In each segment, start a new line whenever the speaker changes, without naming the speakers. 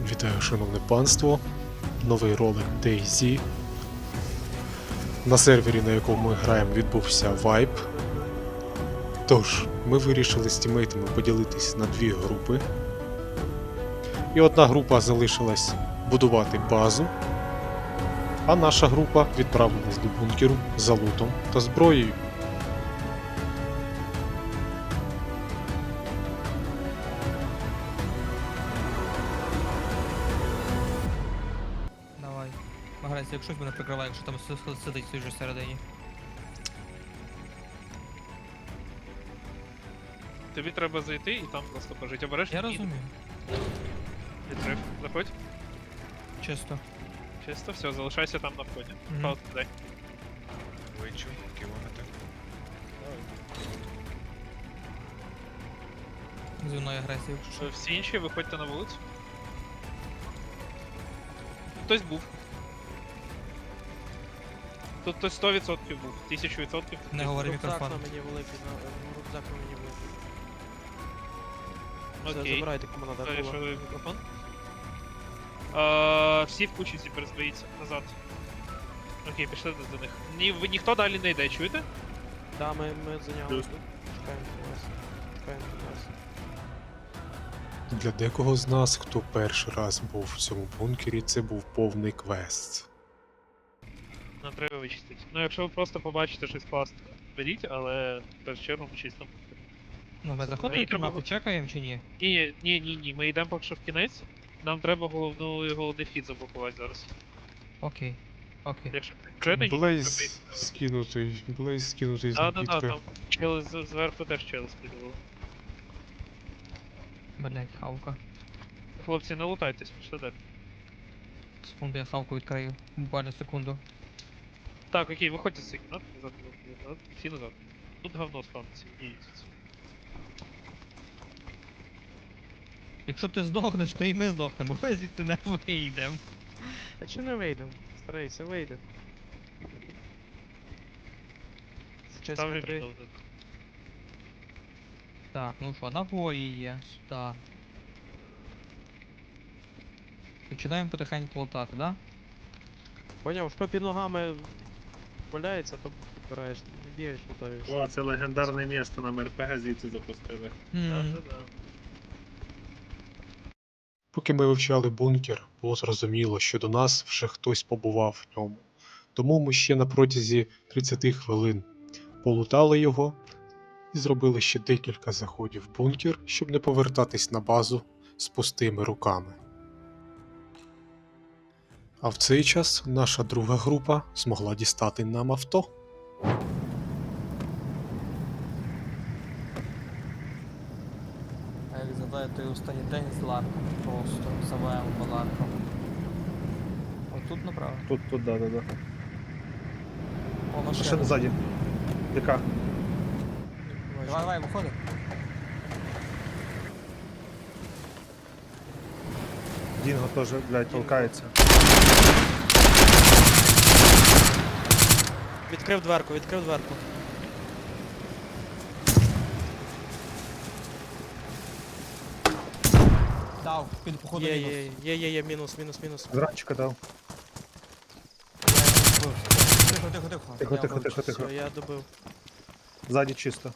Вітаю, шановне панство. Новий ролик DayZ. На сервері, на якому ми граємо, відбувся вайп. Тож, ми вирішили з тімейтами поділитись на дві групи. І одна група залишилась будувати базу, а наша група відправилась до бункеру за лутом та зброєю.
Давай. Маграйся, якщо мене прикриває, якщо там сидить той же всередині.
Тобі треба зайти і там просто пожити. Обережно.
Я розумію.
Відкрив. Заходь.
Чисто.
Чисто, все, залишайся там на вході.
Мгм.
Паузу дай.
Вичу, кілометр.
Зі мною агресія, якщо що.
Всі інші виходьте на вулицю. Хтось був. Тут хтось 100% був, 1000%.
Не говори
Рюкзак
мікрофон.
на мені великий, рюкзак на мені великий. Все,
Окей.
забирайте, кому надо було.
Перейшли мікрофон. Всі в кучі перезберіться назад. Окей, пішли до них. Ви ніхто далі не йде, чуєте?
Да, ми зайняли тут. Чекаємо вас. Чекаємо вас.
Для декого з нас, хто перший раз був в цьому бункері, це був повний квест.
Нам треба вичистити. Ну якщо ви просто побачите щось класне, беріть, але в першу чергу ми чисто.
Ну, ми заходимо
Мені
в кімнату,
треба-
чекаємо чи ні?
Ні, ми йдемо поки що в кінець. Нам треба головний фід заблокувати зараз.
Окей. Окей.
Якщо чуєте, ні?
Блейз скинутий з
Да,
накидки.
там чели зверху теж чели скидували.
Блять, хавка.
Хлопці, не лутайтесь, пішли далі.
Секунду, я хавку відкрию. Буквально секунду.
Так, окей, виходьте з цих кімнат, назад, всі назад. Тут говно спавниться, ні.
Якщо ти здохнеш, то і ми здохнемо, ми звідти не вийдемо.
Та чи не вийдемо? Старайся, вийдемо. Сейчас
Там же
3.
ніхто не-
Так, ну що, набої є. Так. Починаємо потихеньку лутати, да?
Поняв, що під ногами валяється, то підбираєш. Не бігаєш, лутаєш.
О, це легендарне місто, нам РПГ звідси запустили.
Да.
Поки ми вивчали бункер, було зрозуміло, що до нас вже хтось побував в ньому. Тому ми ще на протязі 30 хвилин полутали його і зробили ще декілька заходів в бункер, щоб не повертатись на базу з пустими руками. А в цей час наша друга група змогла дістати нам авто.
А як згадаю той останній день з ларком, просто заваємо по ларкам. Отут направо.
Тут, да.
О,
Машина ззаді. Яка?
Давай, виходи.
Дінго теж, блядь, толкається.
Відкрив дверку, відкрив дверку.
Дав, під походу
Є,
мінус.
є, мінус.
Зранчика дав.
Тихо.
Тихо.
Все, я добив.
Ззаді чисто.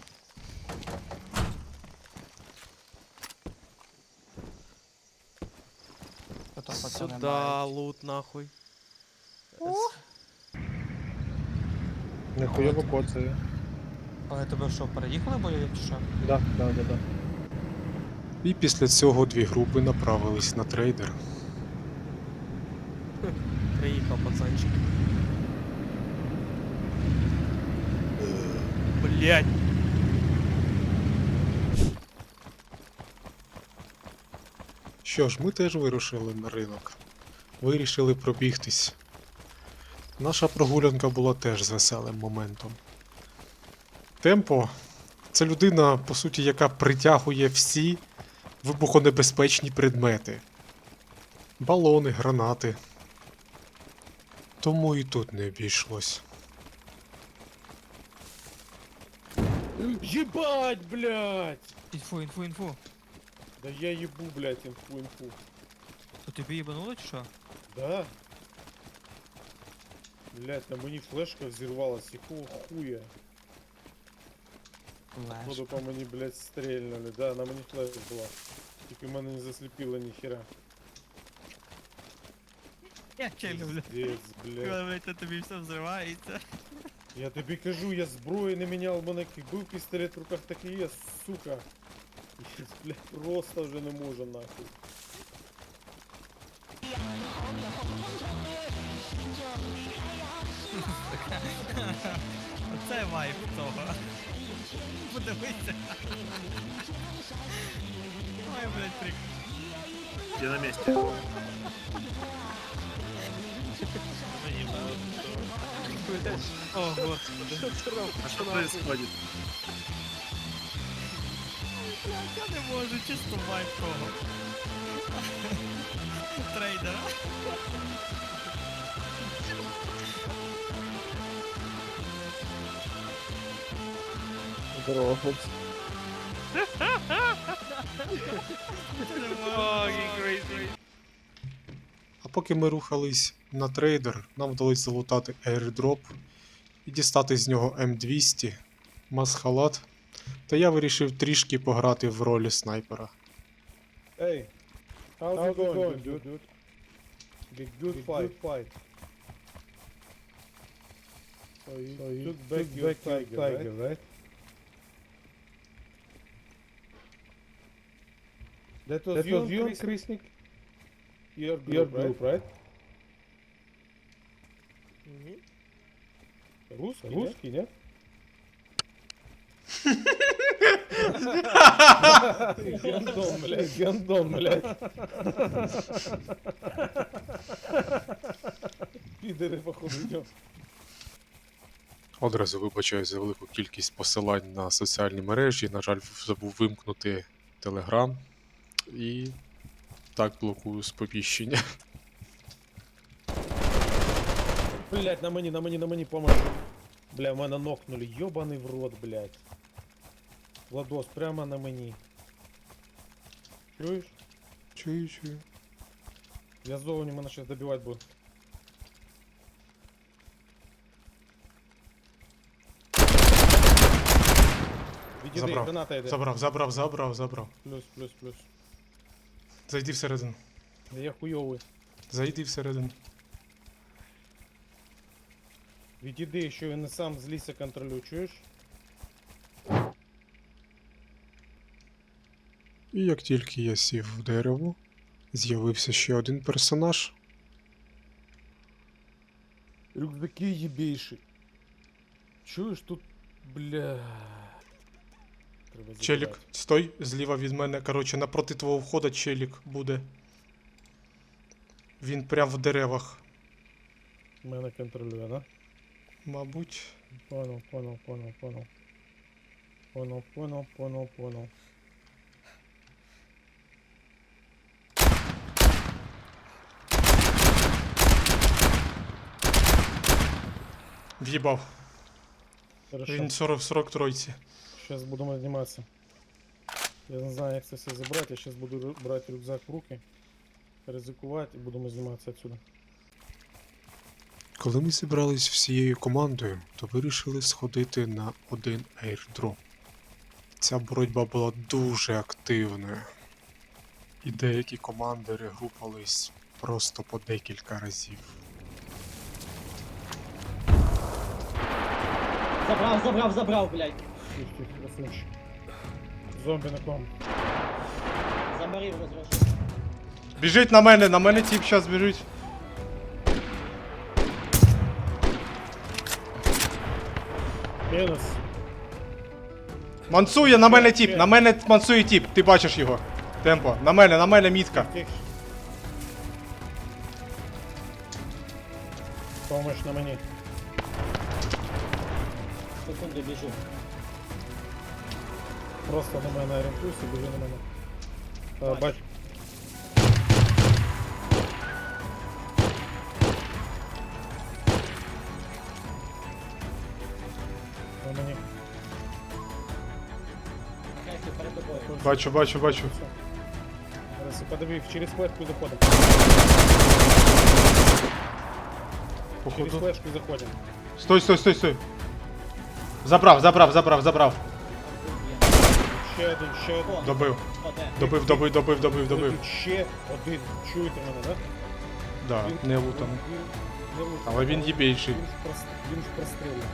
Сюда, лут нахуй.
Нехуйово коцею.
Але тебе що, переїхали бойові чи що?
Да.
І після цього дві групи направились на трейдер.
Приїхав пацанчик. Блять.
Що ж, ми теж вирушили на ринок. Вирішили пробігтись. Наша прогулянка була теж з веселим моментом. Темпо це людина, по суті, яка притягує всі вибухонебезпечні предмети. Балони, гранати. Тому і тут не обійшлось.
Ебать, блядь!
Інфу.
Да я ебу, блядь, инфу.
тобі їбануло чи що?
Да. Блять, на мені флешка взірвалась, якого хуя? Походу по мені, блять, стрельнули. Да, на мені флешка була. Тільки мене не засліпило ніхера.
Я ще люблю.
Пиздец, блять.
Коли це тобі все взривається.
Я тобі кажу, я зброю не міняв, у мене як був пістолет в руках, так і є, сука. Я, блядь, просто вже не можу нахуй.
Оце вайп того. Подивися. Ой, блядь, прик.
Я на місці.
Мені було то. О, господи.
А що происходит?
Я не можу, чисто вайп того. Трейдера.
Здорово, хлопці.
О, crazy.
А поки ми рухались на трейдер, нам вдалося залутати airdrop і дістати з нього М200, масхалат, та я вирішив трішки пограти в ролі снайпера.
Hey, how's it going, dude? Big good fight. So you took back your tiger, right? That was you, Krisnik? Your group, right? Русский, нет? Гандон, блядь. Підери, походу, йдем.
Одразу вибачаю за велику кількість посилань на соціальні мережі. На жаль, забув вимкнути Telegram. І так блокую сповіщення.
Блять, на мені, помощь. Бля, мене нокнули, ёбаний в рот, блять. Владос, прямо на мені. Чуєш?
Чую.
Я зовні мене щас добивать буду. Відійди,
Забрав.
граната йде.
Забрав.
Плюс.
Зайди всередину.
Я хуйовий.
Зайди всередину.
Відійди, що я не сам з ліса контролюю, чуєш?
І як тільки я сів в дерево, з'явився ще один персонаж.
Рюкзаки єбейші. Чуєш тут, бля. Треба
Челік,
забирати.
стой, зліва від мене. Коротше, напроти твого входа челік буде. Він прям в деревах.
Мене контролює, да?
Мабуть.
Понял.
В'їбав.
Хорошо.
Він 40 тройці.
Сейчас будемо зніматися. Я не знаю, як це все забрати. Я зараз буду брати рюкзак в руки, ризикувати і будемо зніматися отсюда.
Коли ми зібрались всією командою, то вирішили сходити на один airdrop. Ця боротьба була дуже активною. І деякі команди регрупались просто по декілька разів.
Забрав, блядь.
Тихо, красунчик. Зомбі на ком.
Заморив розрушив.
Біжить на мене тип зараз біжить.
Мінус.
Мансує на мене тип, на мене мансує тип, ти бачиш його. Темпо, на мене мітка.
Тихо. Помощь на мені.
Секунду біжу.
Просто на мене орієнтуйся, біжи на мене. Бач. На мені.
Хай перед тобою.
Бачу.
Хорошо. Аресі, подиви, через флешку заходимо. Через
Походу.
флешку заходимо.
Стой, стой, стой, стой. Забрав, забрав, забрав, забрав.
Ще один, ще один.
Добив.
О, де?
Добив, добив, добив, добив, добив.
Тут ще один. Чуєте мене, так?
Да, не лутаний.
Не лутаний.
Але він їбейший.
Він ж прострілює.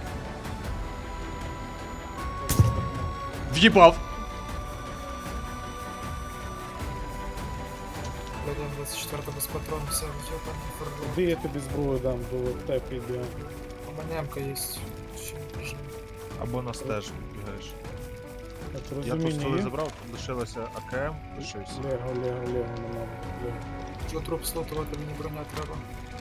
В'їбав.
Блядь, 24 без патронов, все, ёбаный фургон.
Де я тобі зброю дам до тепі йде?
У меня М-ка есть. Чё не прижимай.
Або на стеж бігаєш.
Так,
Я тут
розуміння
столи
є?
забрав, тут лишилося АКМ, лишився.
Лего, Лего, Лего, не надо. Лего.
Що труп слутувати, мені броня треба.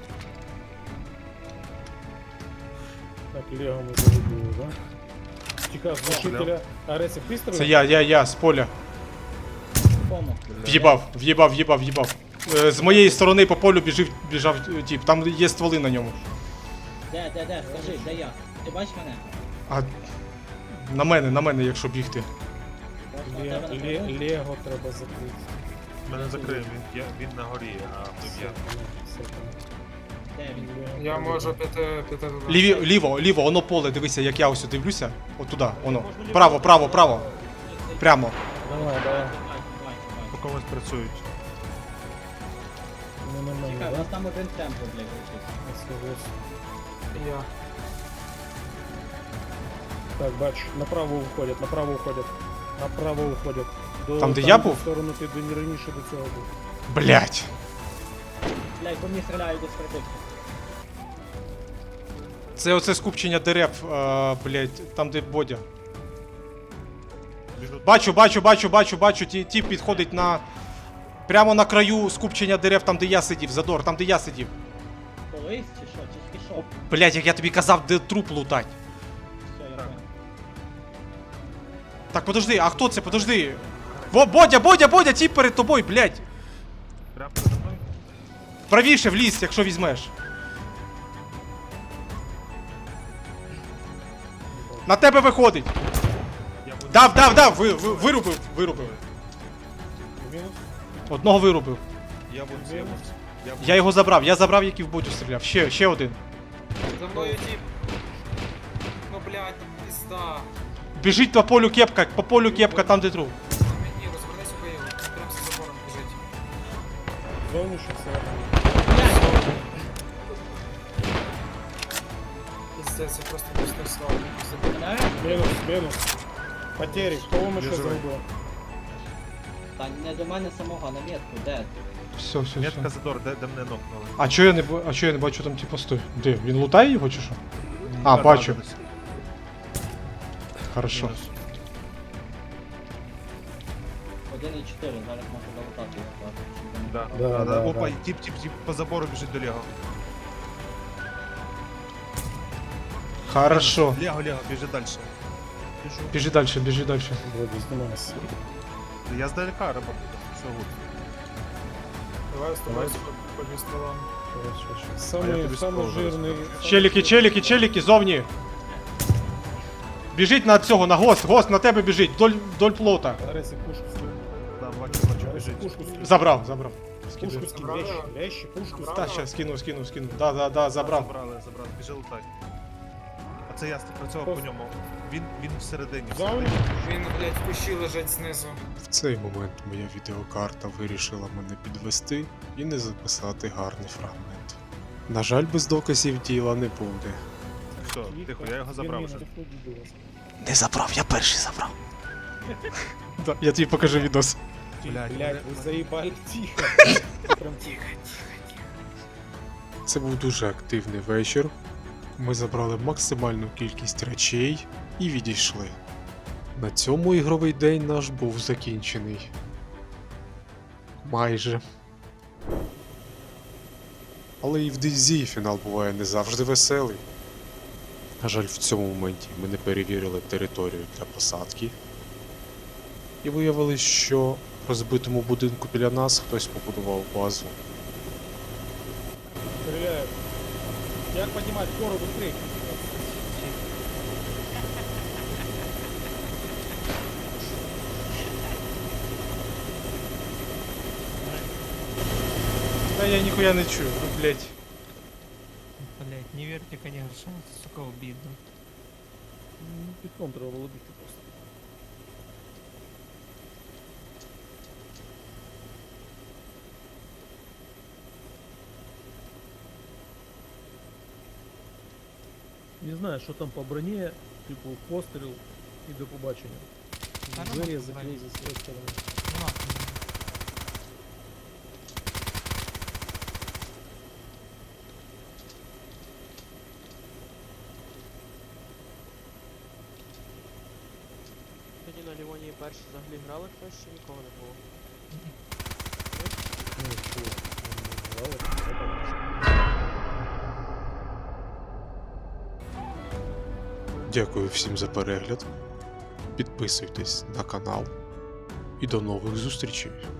Так, Лего ми загубили, да? Тікав з глушителя. Аресі, ти стріляв?
Це я, з поля.
Кому?
В'їбав, в'їбав, в'їбав, в'їбав. З моєї сторони по полю біжав тіп, там є стволи на ньому.
Де, скажи, де я? Ти бачиш мене?
А на мене, якщо бігти.
Просто на тебе напряму?
Лего треба закрити.
Мене закриє, він на горі, а тут я.
Все,
Де він?
Лего
Я
треба
можу піти туди.
Ліво, воно поле, дивися, як я ось дивлюся. Отуда, воно. Право, право, право. Прямо.
Давай, давай.
По комусь працюють.
Не на мене,
Чекай, у
да?
нас там один темпо, блядь, вчився.
Я.
Так, бач, направо уходять, направо уходять. Направо уходять.
Там, де я був?
В сторону ти не раніше до цього був.
Блять.
Блядь, по мені стріляють десь прибив.
Це оце скупчення дерев, блять, там де Бодя. Бачу, ті підходить на. Прямо на краю скупчення дерев, там де я сидів, Задор, там де я сидів.
Колись чи що? Чи пішов?
Блять, як я тобі казав, де труп лутать.
Все, я понял.
Так, подожди, а хто це? Подожди. Во, Бодя, ті перед тобою, блять.
Прямо передо мною?
Правіше в ліс, якщо візьмеш. На тебе виходить.
Я буду.
Дав, вирубив.
Мінус?
Одного вирубив.
Я буду. Я буду.
Я його забрав, який в Бодю стріляв. Ще один.
За мною тип. Ну, блядь, пизда.
Біжить по полю кепка, там де труп.
На мені, розвернись у Київ. Прям за забором біжить.
Зовнішній все.
Пиздец, я просто пустой слава.
Мене?
Мінус. Потері, кого ми ще
Біжи.
загубили?
Та не до мене самого, на метку, де?
Все.
Метка Задор, де мене нокнули.
А чого я не бачу там типу стой? Де? Він лутає його чи що? А, бачу. Хорошо.
Мінус.
1,4, зараз можу долутати його.
Да.
Да.
Опа, тип по забору біжить до Лего.
Хорошо.
Лего, біжи далі.
Біжи далі.
Вроді, знімайся.
Я здалека работаю. Все гуд.
Давай з тобою по дві стрілам.
Самый жирний.
Челіки, зовні. Біжить на цього, на гост на тебе біжить, вдоль плота.
Аресі, пушку скинь.
Да, бачу,
Аресі,
біжить.
пушку скинь.
Забрав.
Пушку скинь,
Забрали?
вещи, пушку скинь.
Та, щас, скину. Да, забрав.
Забрали. Біжи лутай. А це я працював по ньому. Він всередині.
Зовні?
Він, блядь, в кущі лежить знизу.
В цей момент моя відеокарта вирішила мене підвести і не записати гарний фрагмент. На жаль, без доказів діла не буде.
Все, тихо, я його забрав вже.
Не забрав, я перший забрав. Я тобі покажу відос.
Блядь,
Блядь, ви заїбали тихо. Прям тихо.
Це був дуже активний вечір. Ми забрали максимальну кількість речей і відійшли. На цьому ігровий день наш був закінчений. Майже. Але і в DayZ фінал буває не завжди веселий. На жаль, в цьому моменті ми не перевірили територію для посадки. І виявилось, що в розбитому будинку біля нас хтось побудував базу.
Стреляют. Як поднимать гору быстрее?
А я ніхуя не чую, ну блять.
Блять, не верьте, конечно, это, сука, обидно.
Пітком треба володити просто. Не знаю, що там по броні, типу постріл і до побачення.
Та нема
Двері
по
закрий
броні.
за своєї сторони.
Нема.
Тоді на Лівонії перші взагалі грали хтось, чи нікого не було?
Ну, що, не грали, все так.
Дякую всім за перегляд. Підписуйтесь на канал. І до нових зустрічей.